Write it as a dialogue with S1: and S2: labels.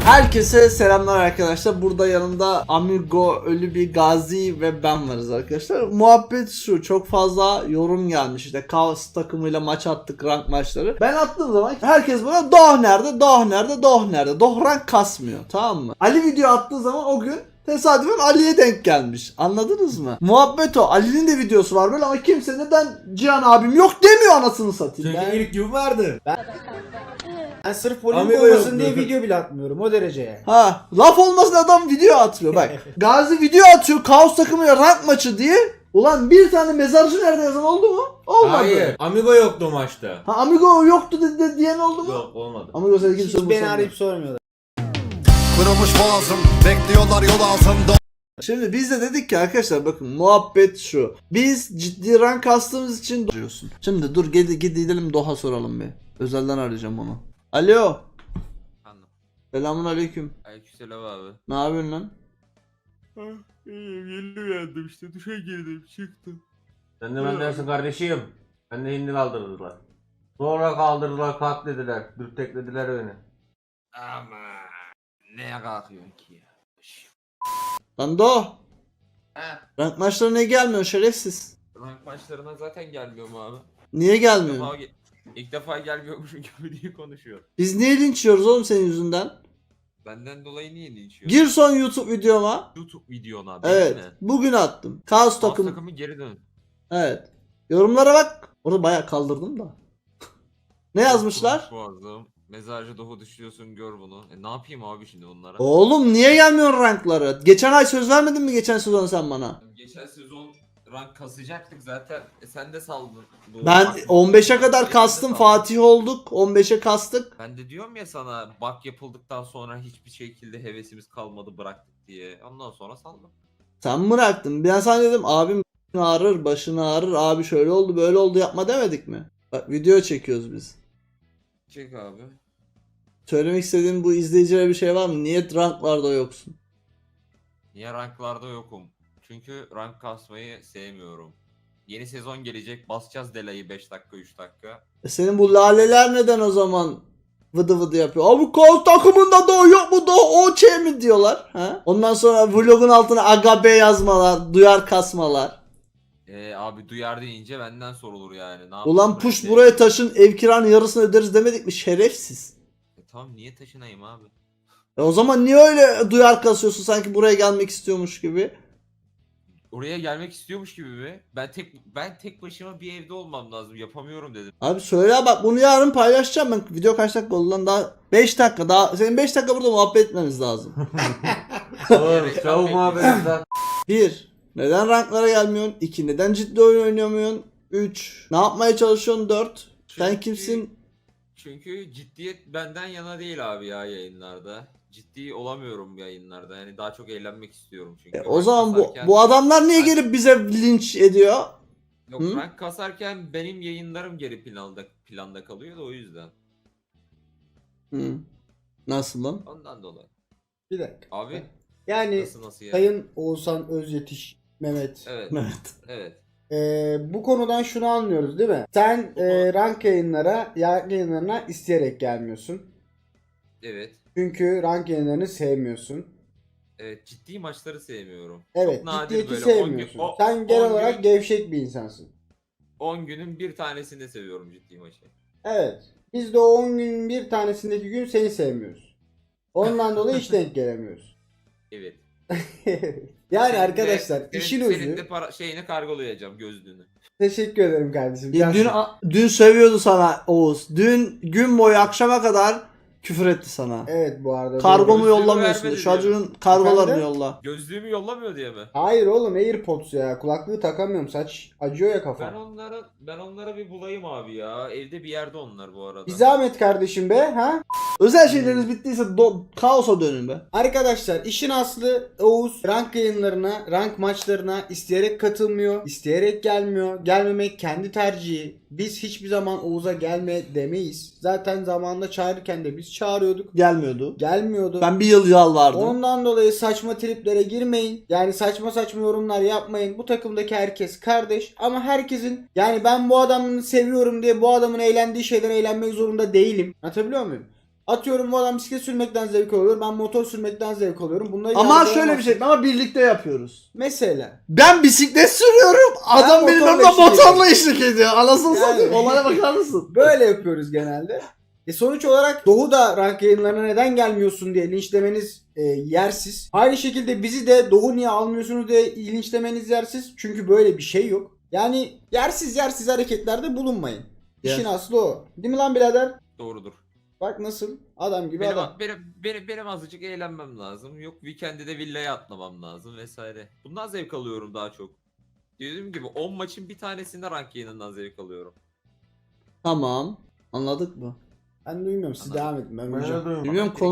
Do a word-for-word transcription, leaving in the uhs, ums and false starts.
S1: Herkese selamlar arkadaşlar. Burada yanımda Amigo, Ölü bir Gazi ve ben varız arkadaşlar. Muhabbet şu, çok fazla yorum gelmiş. İşte Kaos takımıyla maç attık, rank maçları. Ben attığım zaman herkes bana Doh nerede, Doh nerede, Doh nerede. Doh rank kasmıyor, tamam mı? Ali video attığı zaman o gün tesadüfen Ali'ye denk gelmiş. Anladınız mı? Muhabbet o. Ali'nin de videosu var böyle ama kimse neden Cihan abim yok demiyor, anasını satayım.
S2: Çünkü
S1: Ben...
S2: ilk gün vardı. Ben,
S3: Ben sırf polemik
S2: Amigo
S3: olmasın
S2: yok
S3: diye
S2: dedi.
S3: video bile atmıyorum o dereceye.
S1: Ha, laf olmasın adam video atıyor bak. Gazi video atıyor Kaos takımıyla rank maçı diye. Ulan bir tane mezarcı nerede yazan oldu mu? Olmadı.
S2: Hayır. Amigo yoktu maçta.
S1: Ha, Amigo yoktu dedi de diyen oldu mu?
S2: Yok olmadı.
S1: Amigo seni kimse
S3: Hiç beni arayıp sormuyorlar.
S4: Kırılmış boğazım, bekliyorlar yol altında.
S1: Şimdi biz de dedik ki arkadaşlar bakın muhabbet şu. Biz ciddi rank kastığımız için diyorsun. Şimdi dur gidi gidelim Doha soralım bir. Özelden arayacağım onu. Alo.
S5: Anladım.
S1: Selamun aleyküm.
S5: Aleykümselam abi.
S1: Ne yapıyorsun lan?
S5: İyiyim, yeni uyandım işte, duşa girdim, çıktım.
S2: Sen de bendensin kardeşim. Ben de hindi kaldırdılar. Sonra kaldırdılar, kalk dediler. Dürteklediler beni.
S5: Ama neye kalkıyorsun ki ya? Şş.
S1: Lan Doh.
S5: Ha,
S1: Rank maçlarına ne gelmiyor şerefsiz?
S5: rank maçlarına zaten gelmiyorum abi.
S1: Niye
S5: İlk
S1: gelmiyor?
S5: defa, ge- ilk defa gelmiyormuşum gibi diye konuşuyor.
S1: Biz niye linç yiyoruz oğlum senin yüzünden?
S5: Benden dolayı niye linçiyor?
S1: Gir son YouTube videoma.
S5: YouTube videona abi.
S1: Evet.
S5: değil mi?
S1: Bugün attım. Kaos
S5: Takım.
S1: takım.
S5: takımı geri dön.
S1: Evet. Yorumlara bak. Orada bayağı kaldırdım da. Ne yazmışlar?
S5: Boğazım. Mezarcı Doğu düşüyorsun, gör bunu. E ne yapayım abi şimdi bunlara?
S1: Oğlum niye gelmiyor rankları? Geçen ay söz vermedin mi geçen sezon sen bana?
S5: Geçen sezon rank kasacaktık zaten. E sen de saldın. Bu
S1: Ben
S5: bak-
S1: on beşe kadar
S5: Sen de
S1: kastım,
S5: saldın.
S1: Fatih olduk. on beşe kastık.
S5: Ben de diyorum ya sana, bak yapıldıktan sonra hiçbir şekilde hevesimiz kalmadı, bıraktık diye. Ondan sonra saldım.
S1: Sen bıraktın. Ben sana dedim abim ağrır, başın ağrır. Abi şöyle oldu, böyle oldu yapma demedik mi? Bak video çekiyoruz biz.
S5: Çek abi.
S1: Söylemek istediğin bu izleyicilere bir şey var mı? Niye ranklarda yoksun?
S5: Niye ranklarda yokum? Çünkü rank kasmayı sevmiyorum. Yeni sezon gelecek, basacağız Dela'yı beş dakika üç dakika.
S1: E senin bu laleler neden o zaman vıdı vıdı yapıyor? Abi Kaos takımında da o yok mu da o şey mi diyorlar? Ha? Ondan sonra vlogun altına aga be yazmalar, duyar kasmalar.
S5: Ee, abi duyar deyince benden sorulur yani. Ne
S1: Ulan
S5: yapayım
S1: push
S5: ben de?
S1: buraya taşın, ev kiranın yarısını öderiz demedik mi şerefsiz?
S5: E, tamam, niye taşınayım abi?
S1: E o zaman niye öyle duyar kasıyorsun sanki buraya gelmek istiyormuş gibi?
S5: Oraya gelmek istiyormuş gibi mi? Ben tek ben tek başıma bir evde olmam lazım. Yapamıyorum dedim.
S1: Abi söyle bak bunu yarın paylaşacağım ben. Video kaç dakika oldu lan, daha beş dakika daha. Senin beş dakika burada muhabbet etmemiz lazım.
S2: Oğlum çabuk muhabbetimden.
S1: bir. Neden ranklara gelmiyorsun? iki. Neden ciddi oyun oynayamıyorsun? üç. Ne yapmaya çalışıyorsun? dört. Sen
S5: Çünkü-
S1: kimsin?
S5: Çünkü ciddiyet benden yana değil abi ya yayınlarda. Ciddi olamıyorum yayınlarda. Yani daha çok eğlenmek istiyorum çünkü.
S1: E, o
S5: Rank
S1: zaman bu
S5: kasarken-
S1: bu adamlar niye
S5: Ben-
S1: gelip bize linç ediyor?
S5: Yok,
S1: Hı?
S5: rank kasarken benim yayınlarım geri planda planda kalıyor da o yüzden.
S1: Hı. Nasıl lan?
S5: Ondan dolayı.
S3: Bir dakika.
S5: Abi
S3: Yani
S5: nasıl nasıl ya?
S3: Sayın Oğuzhan Özyetiş Mehmet.
S5: Evet.
S1: Evet.
S5: Evet.
S3: Ee, bu konudan şunu anlıyoruz değil mi? Sen e, rank yayınlara, rank yayınlarına isteyerek gelmiyorsun.
S5: Evet.
S3: Çünkü rank yayınlarını sevmiyorsun.
S5: Evet, ciddi maçları sevmiyorum.
S3: Evet,
S5: Çok nadir
S3: ciddiyeti
S5: böyle on gün-
S3: sevmiyorsun.
S5: o-
S3: Sen genel
S5: on
S3: olarak
S5: gün-
S3: gevşek bir insansın.
S5: on günün bir tanesinde seviyorum ciddi maçı.
S3: Evet. Biz de o on günün bir tanesindeki gün seni sevmiyoruz. Ondan dolayı hiç denk gelemiyoruz.
S5: Evet.
S3: Yani
S5: Senin de-
S3: arkadaşlar
S5: senin-
S3: işin
S5: Senin
S3: ucu.
S5: de para, şeyini kargolayacağım, gözlüğünü.
S3: Teşekkür ederim kardeşim.
S1: Dün,
S3: Cansın.
S1: dün sövüyordu sana Oğuz. Dün gün boyu akşama kadar küfür etti sana.
S3: Evet bu arada.
S1: Kargomu
S5: Gözlüğümü
S1: yollamıyorsun.
S5: vermedi
S1: Çocuğun kargolarını
S3: Efendim?
S1: yolla.
S5: Gözlüğümü yollamıyor diye mi?
S3: Hayır oğlum AirPods ya. Kulaklığı takamıyorum. Saç acıyor ya
S5: Ben
S3: kafam.
S5: onlara ben onlara bir bulayım abi ya. Evde bir yerde onlar bu arada.
S3: Bir zahmet kardeşim be ha.
S1: Özel şeyleriniz bittiyse do- kaosa dönün be.
S3: Arkadaşlar işin aslı Oğuz rank yayınlarına, rank maçlarına isteyerek katılmıyor, isteyerek gelmiyor. Gelmemek kendi tercihi. Biz hiçbir zaman Oğuz'a gelme demeyiz. Zaten zamanında çağırırken de biz çağırıyorduk.
S1: Gelmiyordu.
S3: Gelmiyordu.
S1: Ben bir yıl yalvardım.
S3: Ondan dolayı saçma triplere girmeyin. Yani saçma saçma yorumlar yapmayın. Bu takımdaki herkes kardeş. Ama herkesin yani ben bu adamını seviyorum diye bu adamın eğlendiği şeyden eğlenmek zorunda değilim. Anlatabiliyor muyum? Atıyorum bu adam bisiklet sürmekten zevk alıyor. Ben motor sürmekten zevk alıyorum. Bunları
S1: Ama şöyle bir
S3: yargılayamazsın.
S1: şey ama birlikte yapıyoruz.
S3: Mesela.
S1: Ben bisiklet sürüyorum. Adam benim
S3: motorla
S1: önümde
S3: eşlik
S1: motorla eşlik ediyor. Anasını
S3: Yani.
S1: satayım. Olaya bakar mısın?
S3: Böyle yapıyoruz genelde. E sonuç olarak Doğu da rank yayınlarına neden gelmiyorsun diye linçlemeniz e, yersiz. Aynı şekilde bizi de Doğu niye almıyorsunuz diye linçlemeniz yersiz. Çünkü böyle bir şey yok. Yani yersiz yersiz hareketlerde bulunmayın. İşin
S1: Yes.
S3: aslı o. Değil mi lan birader?
S5: Doğrudur.
S3: Bak nasıl? Adam gibi
S5: Benim,
S3: adam.
S5: benim, benim, benim azıcık eğlenmem lazım. Yok weekend'de de villaya atlamam lazım vesaire. Bundan zevk alıyorum daha çok. Dediğim gibi on maçın bir tanesinde rank yayınından zevk alıyorum.
S1: Tamam. Anladık mı?
S3: Ben duymuyorum. Siz
S5: Anladım.
S3: devam edin. Ben
S2: Ben
S3: uyuyacağım.
S2: de duyuyorum.
S1: Bilmiyorum